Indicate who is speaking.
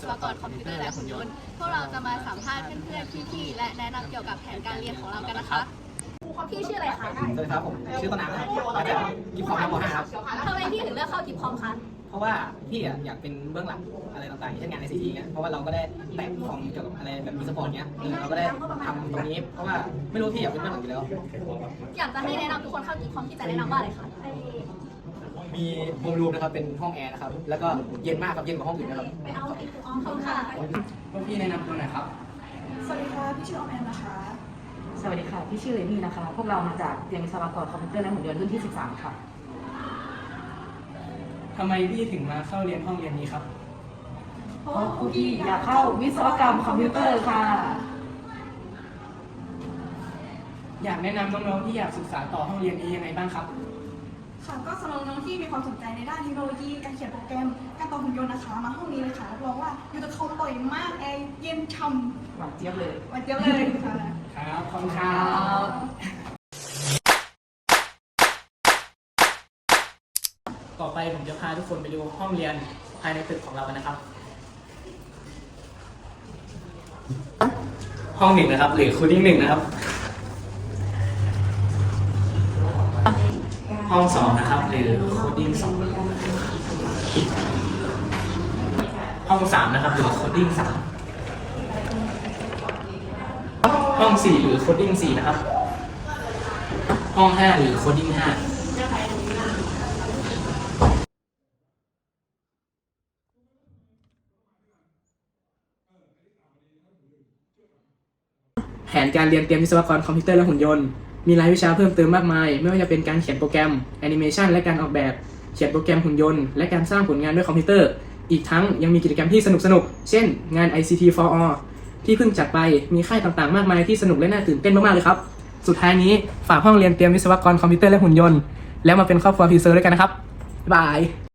Speaker 1: วกรคอมพิวเตอร์และหุ่นยนต์พวกเราจะมาสัมภาษณ์เพื่อนๆพี่ๆและแนะนำเกี่ยวกับแผนการเรียนของเรากันนะคะพี่ชื่ออะไรคะ
Speaker 2: สวัสดีครับผมชื่อต้นน้ำครับมาจากกิฟต์คอมครับม.5 ครับ
Speaker 1: ทำไมพี่ถึงเลือกเข้ากิฟคอมคะ
Speaker 2: เพราะว่าพี่อยากเป็นเบื้องหลังอะไรต่างๆเช่นงาน ICT เนี่ยเพราะว่าเราก็ได้แตะคอมเกี่ยวกับอะไรแบบมีสปอร์ตเนี้ยเราก็ได้ทำตรงนี้เพราะว่าไม่รู้พี่อยากเป็นเบื้องหลังอยู่แล้ว
Speaker 1: อยากจะให้แนะนำทุกคนเข้ากิฟคอมที่จะแนะนำว่าอะไรคะ
Speaker 2: มีโฮมรูมนะครับเป็นห้องแอร์นะครับแล้วก็เย็นมากครับเย็นกว่าห้องอื่นนะครับ
Speaker 1: ไปเอากิฟคอมค่ะ
Speaker 2: พี่แนะนำตัวหน่อยครับ
Speaker 3: สวัสดีค่ะ พี่ชื่อออมแอมนะคะ
Speaker 4: สวัสดีค่ะ พี่ชื่อเรนนี่นะคะ พวกเรามาจากเรียนวิศวกรคอมพิวเตอร์และหุ่นยนต์รุ่นที่ 13 ค่ะ
Speaker 5: ทำไมพี่ถึงมาเข้าเรียนห้องเรียนนี้ครับ
Speaker 4: เพราะครูพี่อยากเข้าวิศวกรรมคอมพิวเตอร์ค่ะ
Speaker 5: อยากแนะนำน้องๆที่อยากศึกษาต่อห้องเรียนนี้ยังไงบ้างครับ
Speaker 3: ค่ะ ก็สำหรับน้องๆที่มีความสนใจในด้านเทคโนโลยี การเขียนโปรแกรม การต่อหุ่นยนต์นะคะ มาห้องนี้เลยค่ะรับรองว่าอยู่กับเขาบ่อยมากแอร์เย็นช่ำ
Speaker 4: หวานเจี๊ยบเลย
Speaker 3: หวันเจี๊ยบเลยค่ะ
Speaker 5: ครับ ขอบคุณครับ ต่อไปผมจะพาทุกคนไปดูห้องเรียนภายในตึกของเรากันนะครับ ห้องหนึ่งนะครับ หรือคูลิ่งหนึ่งนะครับ ห้องสองนะครับ หรือคูลิ่งสองห้องสามนะครับ หรือคูลิ่งสามห้องสี่หรือโคดดิ้ง4นะครับ ห้อง5หรือโคดดิ้ง5แผนการเรียนเตรียมวิศวกรคอมพิวเตอร์และหุ่นยนต์ มีรายวิชาเพิ่มเติมมากมาย ไม่ว่าจะเป็นการเขียนโปรแกรมแอนิเมชันและการออกแบบ เขียนโปรแกรมหุ่นยนต์และการสร้างผลงานด้วยคอมพิวเตอร์ อีกทั้งยังมีกิจกรรมที่สนุกๆ เช่น งาน ICT for All ที่เพิ่งจัดไป มีค่ายต่างๆ มากมายที่สนุกและน่าตื่นเต้นมากๆ เลยครับ สุดท้ายนี้ฝากห้องเรียนเตรียมวิศวกรคอมพิวเตอร์และหุ่นยนต์แล้วมาเป็นครอบครัวพีเซอร์ด้วยกันนะครับ บ๊ายบาย